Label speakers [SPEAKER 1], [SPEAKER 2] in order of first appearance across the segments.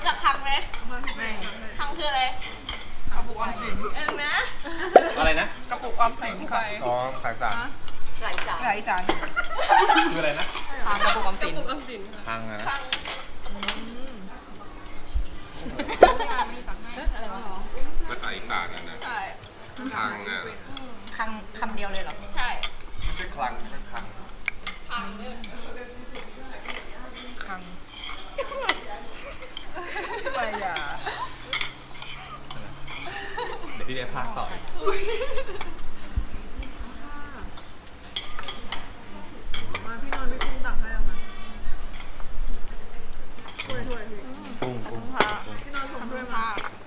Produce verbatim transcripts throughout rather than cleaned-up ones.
[SPEAKER 1] รู้จักคังไหม
[SPEAKER 2] ไม่
[SPEAKER 1] คังคืออะไร
[SPEAKER 2] กระปุกออมสิน
[SPEAKER 1] เออนะ
[SPEAKER 3] อะไรนะ
[SPEAKER 2] กระปุกออมสินค่ะ
[SPEAKER 4] อ๋อขายสาร
[SPEAKER 1] หลายสาย
[SPEAKER 2] หลายสาร
[SPEAKER 3] คืออะไรนะ
[SPEAKER 2] ทางกระปุกออมสิน
[SPEAKER 3] พังอะนะ
[SPEAKER 1] คัง
[SPEAKER 2] อะไรวะ
[SPEAKER 4] ภาษาอีสานนะนะ
[SPEAKER 1] ใช่
[SPEAKER 4] คลังอ่ะ
[SPEAKER 2] คำคำเดียวเลยเหรอ
[SPEAKER 1] ใช่
[SPEAKER 4] ไม่ใช่คลังไม่ใช่คลัง
[SPEAKER 1] คังเนี่ย
[SPEAKER 2] คังไม่อย่า
[SPEAKER 3] เดี๋ยวพี่ได้พากต่ออีก
[SPEAKER 2] มาพี่นอนพี่กุ้งตักให้เอามาถ้วยถ้วยพี่
[SPEAKER 3] กุ้งกุ้ง
[SPEAKER 2] พี่นอนผมถ้วยมา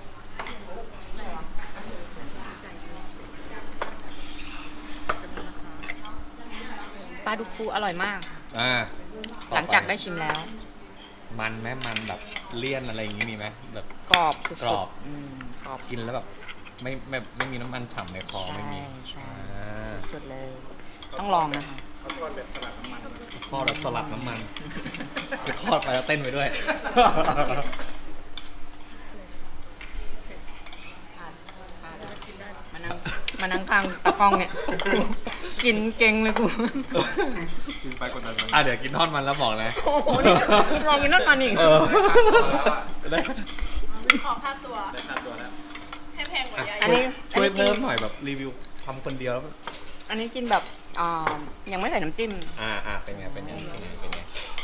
[SPEAKER 5] ปลาดุกฟูอร่อยมาก
[SPEAKER 3] อ่า
[SPEAKER 5] หลังจากได้ชิมแล้ว
[SPEAKER 3] มันไหมมันแบบเลี่ยนอะไรอย่างงี้มีไหมแบบ
[SPEAKER 5] กรอบสุดๆ
[SPEAKER 3] กรอบ
[SPEAKER 5] อืมกรอบ
[SPEAKER 3] กินแล้วแบบไม่ไม่ไม่มีน้ำมันฉ่ำในคอไม่มี
[SPEAKER 5] ใช่
[SPEAKER 3] อ่า
[SPEAKER 5] สุดเลย ต้องลองนะคะ
[SPEAKER 4] เขาทอดแบบสลัดน้ำมัน
[SPEAKER 3] ทอดแบบสลัดน้ำมันคือทอดไปแล้วเต้นไปด้วย
[SPEAKER 5] มานั่งมานั่งข้างตะกล้องเนี่ย กินเก่งเลยกู
[SPEAKER 4] กินไปกดดันมัน
[SPEAKER 3] อ่ะเดี๋ยวกินทอดมันแล้วบอกนะ
[SPEAKER 5] โอ้โหนี่ลองกินนั่นมันอีก
[SPEAKER 3] เออได้
[SPEAKER 1] ขอค่าตัว
[SPEAKER 4] ได้ค่าตัวแล้ว
[SPEAKER 1] ให้แพงกว่า
[SPEAKER 3] อ่ะ
[SPEAKER 1] ยาย
[SPEAKER 5] อันนี้
[SPEAKER 3] ช่วย
[SPEAKER 5] อันนี้กิน
[SPEAKER 3] เพิ่มหน่อยแบบรีวิวทำคนเดียวแล้ว
[SPEAKER 5] อันนี้กินแบบอ่ายังไม่ใส่น้ำจิ้ม
[SPEAKER 3] อ่าอ่าเป็นไงเป็นไงเป็นไงเป็นไง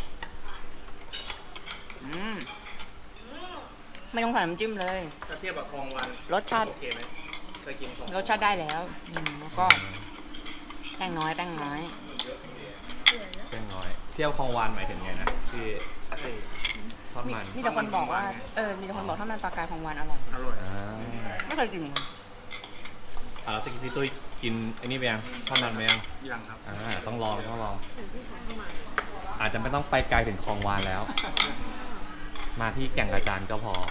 [SPEAKER 5] อืมไม่ต้องใส่น้ำจิ้มเลย
[SPEAKER 4] ถ้าเทียบกับคลองวัน
[SPEAKER 5] รสชาติ
[SPEAKER 4] โอเคไหมเคยกินของ
[SPEAKER 5] รสชาติได้แล้วอืมแล้วก็แป้งน้อยแป้งน้อย
[SPEAKER 3] เป็นน้อย เที่ยวคลองวานหมายถึงไงนะที่ทอด
[SPEAKER 5] มี
[SPEAKER 3] มัน
[SPEAKER 5] มีแต่คนบอกว่า เออ มีแต่คนบอกถ้ามันปลากายของหวานอร่อย
[SPEAKER 4] อร่อย
[SPEAKER 3] อ่า
[SPEAKER 5] ไม่เคยกินเหมือนกัน
[SPEAKER 3] อ่าแล้วตะกี้พี่ตุ้ยกินไอ้นี่ไปยังทอดมันไปยัง
[SPEAKER 4] ยังครับ
[SPEAKER 3] อ่าต้องลองต้องลอง อาจจะไม่ต้องไปไกลถึงคลองวานแล้ว มาที่แก่งกระจานก็พอ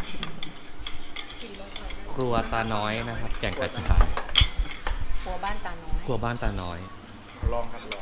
[SPEAKER 3] ครัวตาน้อยนะครับ แก่งกระจาน
[SPEAKER 5] ครัวบ้านตาน้อย
[SPEAKER 3] ครัวบ้านตาน้อย
[SPEAKER 4] ลองครับลอง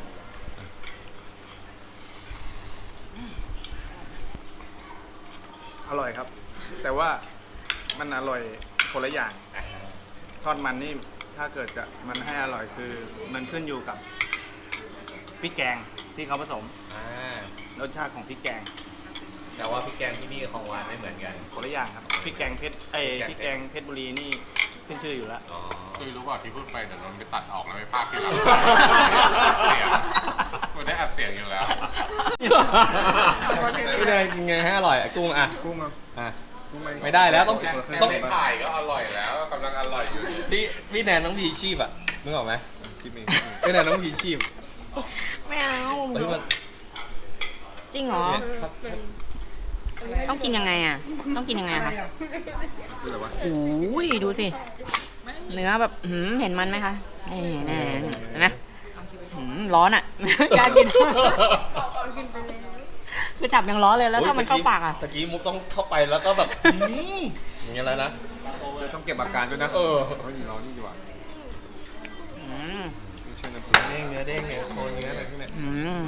[SPEAKER 4] อร่อยครับ แต่ว่ามันอร่อยคนละอย่าง ทอดมันนี่ถ้าเกิดจะมันให้อร่อยคือมันขึ้นอยู่กับพริกแกงที่เขาผสม
[SPEAKER 3] อ่าร
[SPEAKER 4] สชาติของพริกแกง
[SPEAKER 3] แต่ว่าพี่แกงที่นี่กับคลองวานไม่เหมือนกัน
[SPEAKER 4] คนละอย่างครับพริกแกงเพชรเอ้ยพ
[SPEAKER 3] พริ
[SPEAKER 4] ริก
[SPEAKER 3] ก
[SPEAKER 4] แก
[SPEAKER 3] แก
[SPEAKER 4] ง
[SPEAKER 3] ง
[SPEAKER 4] เพชรบุรีนี่ขึ้นชื่ออยู่แล้ว
[SPEAKER 3] อ๋อ
[SPEAKER 6] คือรู้เปล่าที่พูดไปเดี๋ยวมันไปตัดออกแล้วไปพากที่หลังเสียงมันได้อัดเสียงอยู่แล้ว
[SPEAKER 3] พี่แดงกินไงให้อร่อยอ่ะกุ้งอ่ะ
[SPEAKER 4] กุ้งอ่ะ
[SPEAKER 3] อ่ะ
[SPEAKER 4] กุ้ง
[SPEAKER 3] ไม่ได้แล้วต้อง
[SPEAKER 6] แค่
[SPEAKER 3] ต้อง
[SPEAKER 6] ได้ถ่ายก็อร่อยแล้วกำลังอร่อยอยู่
[SPEAKER 3] พี่พี่แนนต้องพีชีพอ่ะนึกออกไหม
[SPEAKER 4] คิดเอง
[SPEAKER 3] พี่แนนต้องพีชีพ
[SPEAKER 5] ไม่เอา
[SPEAKER 3] เฮ้ยมัน
[SPEAKER 5] จริงเหรอ ต้องกินยังไงอ่ะ ต้องกินยังไงอะคะ
[SPEAKER 4] คืออะไรวะ
[SPEAKER 5] โอ้ยดูสิ เนื้อแบบหืมเห็นมันไหมคะนี่แน่เห็นไหมหืมร้อนอ่ะ กล้ากินคือจับยังร้อนเลยแล้วถ้ามันเข้าปากอ่ะ
[SPEAKER 3] ตะกี้มุกต้องเข้าไปแล้วก็แบบอืมอย่างเงี้ยแล้วนะ
[SPEAKER 4] เดี๋ยวต้องเก็บอาการด้วยนะ
[SPEAKER 3] เออ
[SPEAKER 4] เฮ้ยร้อนนี่ดีกว่า
[SPEAKER 5] อืม
[SPEAKER 4] ไม่ใช่น้ำพริ
[SPEAKER 3] เด้งเนื้อเด้งเนี่ยโชว์เนื้ออะไรพวกเนี้ย
[SPEAKER 5] อืม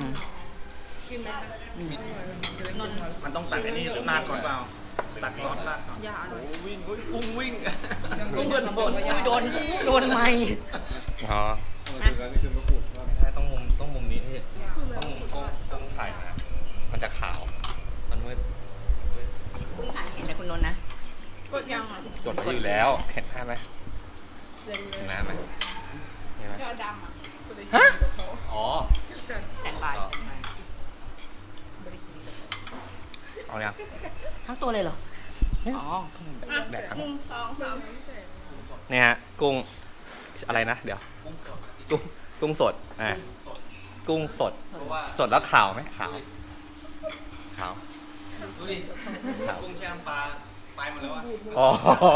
[SPEAKER 4] มันต้องตัดไอ้นี่หรือราดก่อนเปล่าตัดซอสราดก่อนโอ้วิ่งเฮ้ยกุ้งวิ่ง
[SPEAKER 5] กุ้งโดนโดนโดนโดนไม้
[SPEAKER 3] อ๋อ
[SPEAKER 4] ถึงแล้วนี่คือมะกรูด
[SPEAKER 3] ไม่ใช่ต้องมุมต้องมุมนี้พี่ต้องมุมต้องต้องถ่ายนะมันจะขาว มันมืด
[SPEAKER 5] กุ้งถ่ายเห็นแต่คุณนนท์นะ
[SPEAKER 1] กดยังอ่ะ
[SPEAKER 3] กดไว้อยู่แล้ว เห็นหน้าไหมเห็นหน้าไหมเห็นไหม
[SPEAKER 1] จอดำอ่ะ
[SPEAKER 3] ฮะอ๋อ
[SPEAKER 5] แต่งบาย
[SPEAKER 3] เอายัง
[SPEAKER 5] ทั้งตัวเลยเหรอ อ๋อ
[SPEAKER 3] แดกทั้ง
[SPEAKER 1] หนึ่งสองสาม
[SPEAKER 3] เนี่ยฮะกุ้งอะไรนะ เดี๋ยว กุ้งกุ้งสดอ่ากุ้งสด สดแล้วขาวไหมขาว ขาว
[SPEAKER 4] ดูดิกุ้งแช่น้ำปลาตายหมดแล้วอ่ะ
[SPEAKER 3] อ๋อ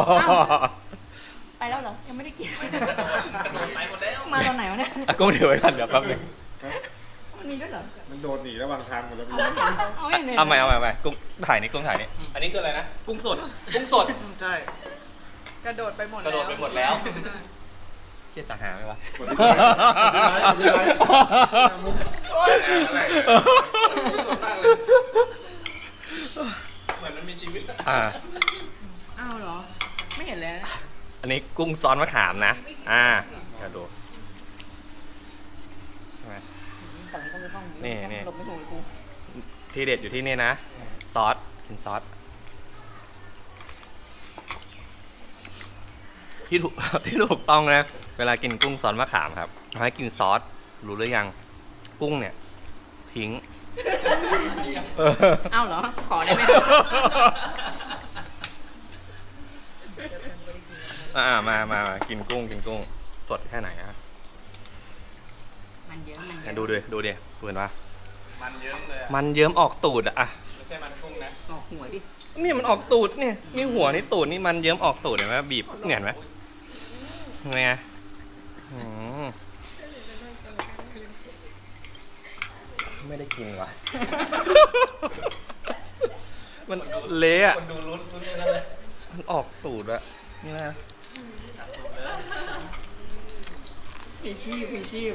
[SPEAKER 5] ไปแล้วเหรอ ยังไม่ได้กิน
[SPEAKER 4] กระโดดตายหมดแล้ว
[SPEAKER 5] มาตอนไหนวะเนี่ย
[SPEAKER 3] อ่ะกุ้งถือไว้ก่อนเดี๋ยวแป๊บนึง
[SPEAKER 5] มันมีด้วยเหรอ
[SPEAKER 4] มันโดดหนีระหว่างทางหมดแล้ว
[SPEAKER 5] เอาไม่เอา
[SPEAKER 3] เอาใหม่เอาใหม่เอาใหม่กุ้งถ่ายนี่กุ้งถ่ายนี่อันนี้คืออะไรนะ กุ้งสด กุ้งสด
[SPEAKER 4] ใช่
[SPEAKER 2] กระโดดไปหมด
[SPEAKER 3] กระโดดไปหมดแล้วเฮียจะหาไหมวะ
[SPEAKER 4] หมดแล้วหมดแล้วหมดแล้ว
[SPEAKER 6] อะไร
[SPEAKER 4] สดมากเลยเหมือนมันมีชีวิต
[SPEAKER 3] ออ่า
[SPEAKER 5] อ้าวเหรอ ไม่เห็นเลยนะ
[SPEAKER 3] อันนี้กุ้งซอสมะขามนะ อ่าเดี๋ยวดูใช่ไหม
[SPEAKER 5] ฝั่งนี้ก็มีห้อง
[SPEAKER 3] นี่นี่
[SPEAKER 5] หลบไม่ถูกเลยกู
[SPEAKER 3] ที่เด็ดอยู่ที่นี่นะ ซอส กินซอส ที่ถูก ที่ถูกต้องนะ เวลากินกุ้งซอสมะขามครับให้กินซอส รู้หรือยัง กุ้งเนี่ย ทิ้ง
[SPEAKER 5] อ้าวเหรอ ขอได้ไหม
[SPEAKER 3] อ่ามามามากินกุ้ง กินกุ้ง สดแค่ไหนฮะ
[SPEAKER 5] มันเยอะมันเย
[SPEAKER 3] อ่ะ
[SPEAKER 5] อะ
[SPEAKER 3] ดูดิดูดิดูเห็นปะ
[SPEAKER 4] มันเยอะเลยอะ
[SPEAKER 3] มันเยิ้มออกตูดอะอ่ะ
[SPEAKER 4] ไม่ใช่มันกุ้งนะ
[SPEAKER 5] ออกหัวดิ
[SPEAKER 3] นี่มันออกตูดเนี่ยนี่หัวนี่ตูดนี่มันเยิ้มออกตูดเห็นไหมบีบเนี่ยเห็นไหมเห็นไงอืมไม่ได้กินว่ะ มันเละอะมันออกตูดอะนี่นะ
[SPEAKER 5] ผีชีพผีชีพ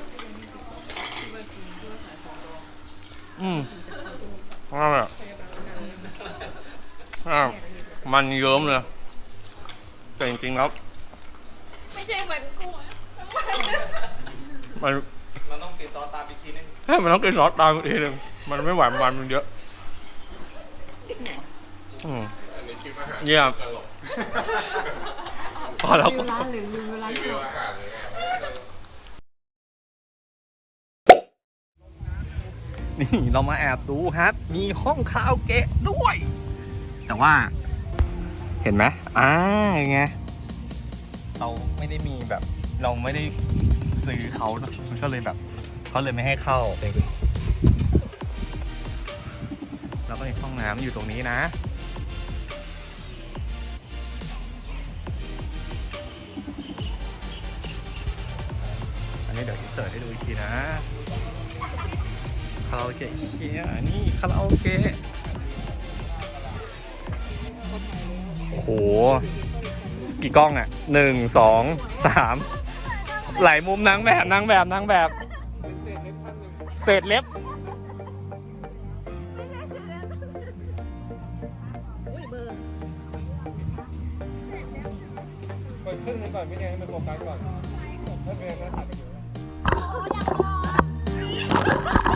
[SPEAKER 3] อืมอ่าอ่ามันเยิ้มเลยแต่จริงๆแล้ว
[SPEAKER 1] ไม่ใช่เหมือนกุ้งอะ
[SPEAKER 3] มัน
[SPEAKER 4] มันต้องติดต่อตามอีกทีนึง
[SPEAKER 3] ให้มันต้องกินซอสตามอีกทีหนึงมันไม่ไหวมันมันเยอะอืม
[SPEAKER 6] อันนี้คิดว่าหา
[SPEAKER 3] เยี่ยม
[SPEAKER 6] ตลก
[SPEAKER 3] พอแล้ว
[SPEAKER 5] ลืมร้านหรือลืมเวลา
[SPEAKER 6] รีวิวอาหารเลย
[SPEAKER 3] นี่เรามาแอบดูครับ มีห้องคาราโอเกะด้วย แต่ว่า เห็นไหมอ่าไงเราไม่ได้มีแบบ เราไม่ได้ซื้อเขาเนอะมันก็เลยแบบเขาเลยไม่ให้เข้าเป็นแล้วก็มีห้องน้ำอยู่ตรงนี้นะ อันนี้เดี๋ยวอินเสิร์ตให้ดูอีกทีนะ คาราโอเกะอีเกียนี่คาราโอเกะโอ้โห กี่กล้องอ่ะหนึ่งสองสามหลายมุมนางแบบนางแบบนางแบบเศษเล็บ
[SPEAKER 4] เปิดครึ่งนึงก่อนพี่แดงให้มันโฟกัสก่อนถ้าเป็นก็ถ่ายไปเลย